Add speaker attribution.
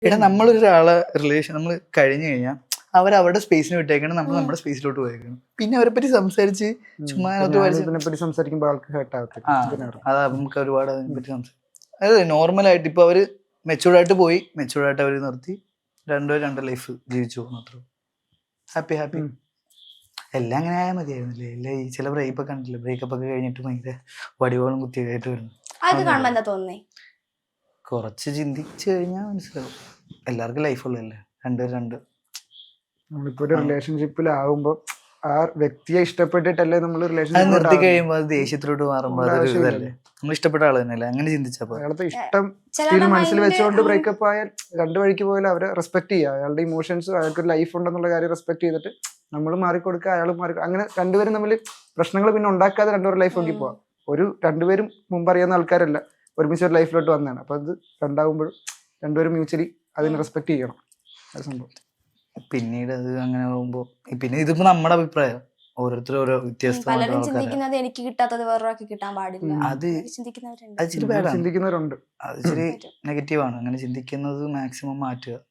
Speaker 1: എടാ നമ്മളൊരാളെ റിലേഷൻ നമ്മൾ കഴിഞ്ഞു കഴിഞ്ഞാൽ അവരുടെ സ്പേസിന് വിട്ടേക്കണം, നമ്മൾ നമ്മുടെ സ്പേസിലോട്ട് പോയേക്കണം. പിന്നെ അവരെ പറ്റി സംസാരിച്ച് ചുമ്മാ
Speaker 2: ഇതിനെപ്പറ്റി സംസാരിക്കുമ്പോൾ ആൾക്ക് ഹേർട്ട് ആവത്തില്ല.
Speaker 1: അതാ നമുക്ക് ഒരുപാട് അതിനെ പറ്റി സംസാരിക്കും. അതായത് നോർമലായിട്ട് ഇപ്പൊ അവര് മെച്ചൂർഡായിട്ട് പോയി, മെച്ചൂർഡായിട്ട് അവര് നിർത്തി, രണ്ട് ലൈഫ് ജീവിച്ചു പോകുന്നു. അത്ര ഹാപ്പി ഹാപ്പി. എല്ലാം അങ്ങനെ ആയാൽ മതിയായിരുന്നില്ലേ? എല്ലാം ഈ ചില ബ്രേക്കപ്പ് ഒക്കെ കണ്ടില്ലേ, ബ്രേക്കപ്പ് ഒക്കെ കഴിഞ്ഞിട്ട് ഭയങ്കര വടിവോളം കുത്തിയായിട്ട് വരുന്നു. കുറച്ച് ചിന്തിച്ചു കഴിഞ്ഞാൽ മനസ്സിലാവും. എല്ലാവർക്കും ലൈഫ് ഉള്ളതല്ലേ, രണ്ട്
Speaker 2: നമ്മളിപ്പോ ഒരു റിലേഷൻഷിപ്പിലാവുമ്പോ ആ വ്യക്തിയെ ഇഷ്ടപ്പെട്ടിട്ടല്ലേ നമ്മൾ
Speaker 1: അത് നിർത്തി കഴിയുമ്പോൾ അത് ദേഷ്യത്തിലോട്ട് മാറുമ്പോൾ അതൊരു ഇതല്ലേ. നമ്മൾ ഇഷ്ടപ്പെട്ട ആള് തന്നെയല്ലേ, അങ്ങനെ ചിന്തിച്ചപ്പോ
Speaker 2: അയാളത്തെ ഇഷ്ടം സ്റ്റിൽ മനസ്സിൽ വെച്ചുകൊണ്ട് ബ്രേക്കപ്പ് ആയാൽ രണ്ടു വഴിക്ക് പോയാലും അവരെ റെസ്പെക്ട് ചെയ്യുക. അയാളുടെ ഇമോഷൻസ്, അയാൾക്ക് ഒരു ലൈഫ് ഉണ്ടെന്നുള്ള കാര്യം റെസ്പെക്ട് ചെയ്തിട്ട് നമ്മൾ മാറിക്കൊടുക്കുക, അയാൾ അങ്ങനെ രണ്ടുപേരും തമ്മിൽ പ്രശ്നങ്ങൾ പിന്നെ ഉണ്ടാക്കാതെ രണ്ടുപേരും ലൈഫ് നോക്കി പോവാം. രണ്ടുപേരും മുമ്പ് അറിയാവുന്ന ആൾക്കാരല്ല, ഒരുമിച്ച് ഒരു ലൈഫിലോട്ട് വന്നതാണ്. അപ്പൊ അത് രണ്ടാകുമ്പോഴും രണ്ടുപേരും മ്യൂച്വലി അതിനെ റെസ്പെക്ട് ചെയ്യണം. അത് സംഭവം.
Speaker 1: പിന്നീട് അത് അങ്ങനെ പോകുമ്പോ പിന്നെ ഇതിപ്പോ നമ്മുടെ അഭിപ്രായം, ഓരോരുത്തരും ഓരോ വ്യത്യസ്തമായിട്ട്
Speaker 3: എനിക്ക് കിട്ടാത്തത് വേറൊരാൾക്ക് കിട്ടാൻ പാടില്ല,
Speaker 1: അത് ഇച്ചിരി ബാഡാണ്,
Speaker 2: ചിന്തിക്കുന്നവരുണ്ട്.
Speaker 1: അത് ഇച്ചിരി നെഗറ്റീവാണ്. അങ്ങനെ ചിന്തിക്കുന്നത് മാക്സിമം മാറ്റുക.